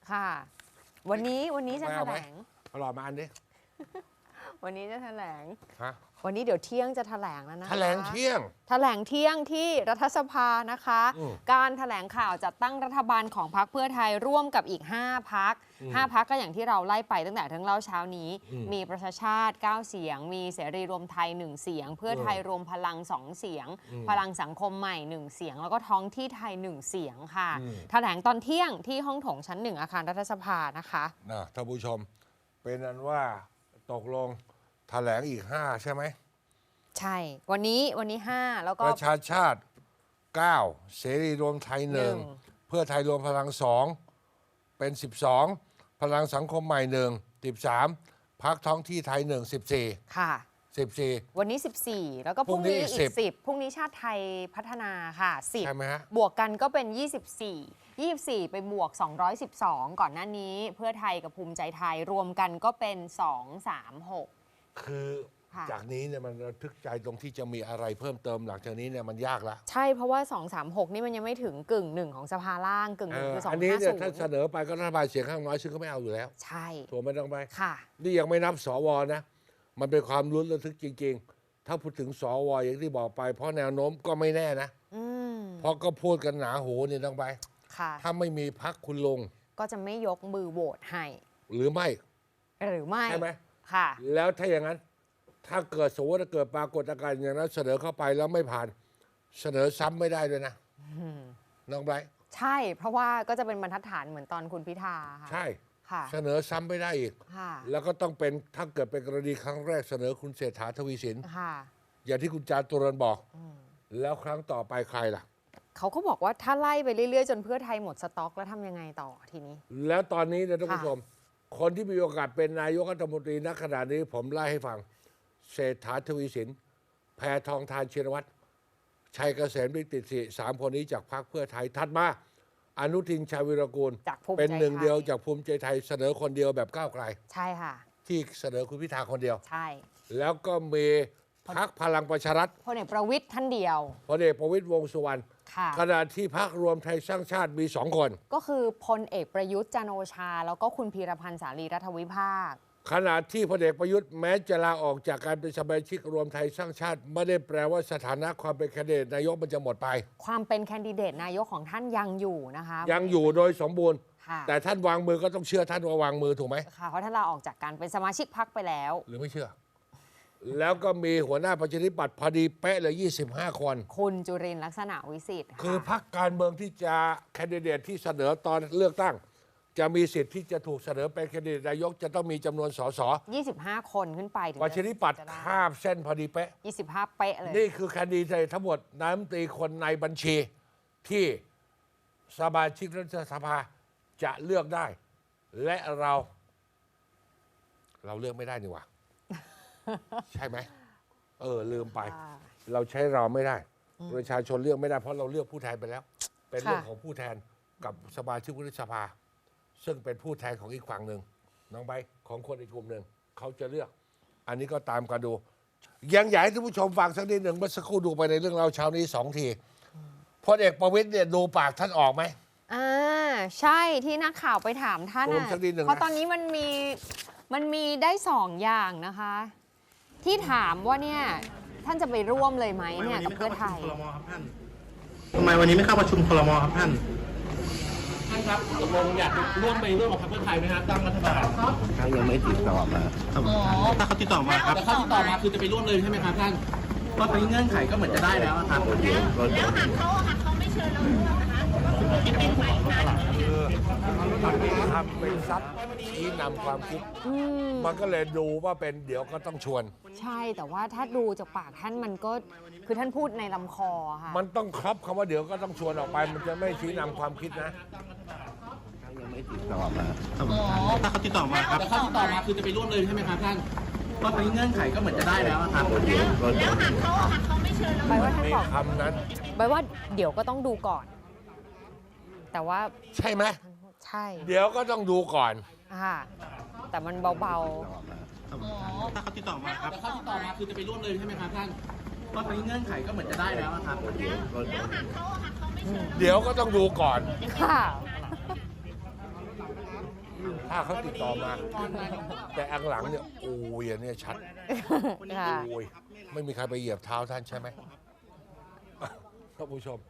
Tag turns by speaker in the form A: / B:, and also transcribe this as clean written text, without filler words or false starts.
A: ค่ะวันนี้จะแถลง
B: รอมาอันนี้
A: วันนี้จะแถลง
B: ฮะ
A: วันนี้เดี๋ยวเที่ยงจะแถลงแล้วนะคะ
B: แถลงเที่ยง
A: ที่รัฐสภานะคะการแถลงข่าวจัดตั้งรัฐบาลของพรรคเพื่อไทยร่วมกับอีก5 พรรค5 พรรคก็อย่างที่เราไล่ไปตั้งแต่ทั้งเล่าเช้านี้มีประชาชาติ9 เสียงมีเสรีรวมไทย1 เสียงเพื่อไทยรวมพลัง2 เสียงพลังสังคมใหม่1 เสียงแล้วก็ท้องที่ไทย1 เสียงค่ะแถลงตอนเที่ยงที่ห้องโถงชั้น1อาคารรัฐสภานะคะ
B: ท่านผู้ชมเป็นนั้นว่าตกลงแถลงอีก5ใช่ไหม
A: ใช่วันนี้5แล้วก็
B: ประชาชาติ9เสรีรวมไทย1เพื่อไทยรวมพลัง2เป็น12พลังสังคมใหม่1 13พรรคท้องที่ไทย1 14
A: ค่ะ
B: 14
A: วันนี้14แล้วก็พรุ่งนี้อีก10พรุ่งนี้ชาติไทยพัฒนาค่ะ10
B: ใช่ไหมฮะ
A: บวกกันก็เป็น24ไปบวก212ก่อนหน้านี้เพื่อไทยกับภูมิใจไทยรวมกันก็เป็น236
B: คือจากนี้เนี่ยมันระทึกใจตรงที่จะมีอะไรเพิ่มเติมหลังจากนี้เนี่ยมันยากละ
A: ใช่เพราะว่า236นี่มันยังไม่ถึง1/2ของสภาล่าง1/1คือ250
B: อันนี้เนี่ยถ้าเสนอไปก็รัฐบาลเสียงข้างน้อยซึ่งก็ไม่เอาอยู่แล้ว
A: ใช่
B: ถูกไม่ต้องไป
A: ค่ะ
B: นี่ยังไม่นับสวนะมันเป็นความลุ้นระทึกจริงๆถ้าพูดถึงสวอย่างที่บอกไปเพราะแนวโน้มก็ไม่แน่นะเพราะก็พูดกันหนาหูนี่ต้องไปถ้าไม่มีพรรคคุณลง
A: ก็จะไม่ยกมือโหวตให้
B: หรือไม่
A: ใช่
B: ไหม
A: ค่ะ
B: แล้วถ้าอย่างนั้นถ้าเกิดสมมติเกิดปรากฏการณ์อย่างนั้นเสนอเข้าไปแล้วไม่ผ่านเสนอซ้ำไม่ได้ด้วยนะน้องไบรท์
A: ใช่เพราะว่าก็จะเป็นบรรทัดฐานเหมือนตอนคุณพิธา
B: ใช่เสนอซ้ำไม่ได้อีกแล้วก็ต้องเป็นถ้าเกิดเป็นกรณีครั้งแรกเสนอคุณเศรษฐาทวีสินอย่างที่คุณจาตุรนต์บอกแล้วครั้งต่อไปใครล่ะ
A: เขาก็บอกว่าถ้าไล่ไปเรื่อยๆจนเพื่อไทยหมดสต็อกแล้วทำยังไงต่อทีนี้
B: แล้วตอนนี้เนี่ยท่านผู้ชมคนที่มีโอกาสเป็นนายกรัฐมนตรีณขณะนี้ผมไล่ให้ฟังเศรษฐาทวีสินแพทองธารชินวัตรชัยเกษมฤทธิ์ติสิ3 คนนี้จากพรรคเพื่อไทยถัดมาอนุทินชาญวิรากูลเป็นหนึ่งเดียวจากภูมิใจไทยเสนอคนเดียวแบบก้าวไกล
A: ใช่ค่ะ
B: ที่เสนอคุณพิธาคนเดียว
A: ใช่
B: แล้วก็มีพรรคพลังประชารัฐ
A: พลเอกประวิตรท่านเดียว
B: พลเอกประวิตรวงษ์สุวรรณขณะที่พรรครวมไทยสร้างชาติมี2 คน
A: ก็คือพลเอกประยุทธ์จันทร์โอชาแล้วก็คุณพีรพันธ์สารีรัฐวิภาค
B: ขณะที่พลเอกประยุทธ์แม้จะลาออกจากการเป็นสมาชิกรวมไทยสร้างชาติไม่ได้แปลว่าสถานะความเป็นแคนดิเดตนายกมันจะหมดไป
A: ความเป็นแคนดิเดตนายกของท่านยังอยู่นะคะ
B: ยังอยู่โดยสมบูรณ์แต่ท่านวางมือก็ต้องเชื่อท่านว่าวางมือถูกไหม
A: ค่ะเพราะท่านลาออกจากการเป็นสมาชิกพรรคไปแล้ว
B: หรือไม่เชื่อแล้วก็มีหัวหน้าประชาธิปัตย์พอดีเป๊ะเลย25 คน
A: คุณจุรินทร์ลักษณะวิสิทธิ์
B: คือพรรคการเมืองที่จะแคนดิเดตที่เสนอตอนเลือกตั้งจะมีสิทธิ์ที่จะถูกเสนอเป็นแคนดิเดตนายกจะต้องมีจำนวนสส
A: 25 คนขึ้นไป
B: ประชาธิปัตย์ข้ามเส้นพอดีเป๊ะ
A: 25 เป๊ะเลย
B: นี่คือแคนดิเดตทั้งหมดนายกรัฐมนตรีคนในบัญชีที่สมาชิกรัฐสภาจะเลือกได้และเราเลือกไม่ได้นี่หว่าใช่ไหมลืมไปเราใช้เราไม่ได้ประชาชนเลือกไม่ได้เพราะเราเลือกผู้แทนไปแล้วเป็นเรื่องของผู้แทนกับสมาชิกวุฒิสภาซึ่งเป็นผู้แทนของอีกฝั่งหนึ่งน้องใบของคนอีกกลุ่มหนึ่งเขาจะเลือกอันนี้ก็ตามกันดูยังอยากให้ท่านผู้ชมฟังสักนิดหนึ่งเมื่อสักครู่ดูไปในเรื่องเราเช้านี้2 ทีพลเอกประวิตรเนี่ยดูปากท่านออกไหม
A: ใช่ที่นักข่าวไปถามท่านเพราะตอนนี้มันมีได้2 อย่างนะคะที่ถามว่าเนี่ยท่านจะไปร่วมเลยไหมเนี่ยกับเพื่อไทย
C: ทำไมวันนี้ไม่เข้าประชุมครม.ครับท่าน
D: ครับตกลงอยากร่วมกับพรรคเพื่อไทยไหมครับตั้งรัฐบาล
C: เขายังไม่ติดต่อมาถ้าเขาติดต่อมาครับ
D: แต่เขาติดต่อมาคือจะไปร่วมเลยใช่ไหมครับท่าน
C: ก็ตอนนี้เงื่อนไขก็เหมือนจะได้แล้วครับ
E: แล้วหากเขาไม่เชิญเราร่วมนะคะจะเป็นฝ่ายค้าน
B: ทำเป็นซับที่นำความคิดมันก็เลยดูว่าเป็นเดี๋ยวก็ต้องชวน
A: ใช่แต่ว่าถ้าดูจากปากท่านมันก็คือท่านพูดในลำคอค่ะ
B: มันต้องครอบคำว่าเดี๋ยวก็ต้องชวนออกไปมันจะไม่ชี้นำความคิดนะ
C: เขายังไม่ติดต่อมาถ้าเขาติดต่อมาครับ
D: แต่เขาติดต่อมาคือจะไปร่วมเลยใช่ไหมครับท่าน
C: ก็ตอนนี้เงื่อนไขก็เหมือนจะได้แล้วครับ
E: แล้วหากเขาไม่เชิญเรา
A: ร่วมท่านบอก
B: คำนั้น
A: ใบว่าเดี๋ยวก็ต้องดูก่อนแต่ว่า
B: ใช่ไหม
A: ใช่
B: เดี๋ยวก็ต้องดูก่อน
A: แต่มันเบา
C: ๆถ้าเขาติดต่อมาครับ
D: แต่เขาติดต่อมาคือจะไปร่วมเลยใช่ไหมครับท่าน
C: ก็ตอนนี้เงื่อนไขก็เหมือนจะได้แล้วครับ
E: แล้วหากเขาไม่เชิญ
B: เดี๋ยวก็ต้องดูก่อนถ้าเขาติดต่อมา แต่อังหลังเนี่ยโอ้ยอันเนี่ยชัด
A: ค่ะ
B: โอ้ยไม่มีใครไปเหยียบเท้าท่านใช่ไหมท่านผู้ชม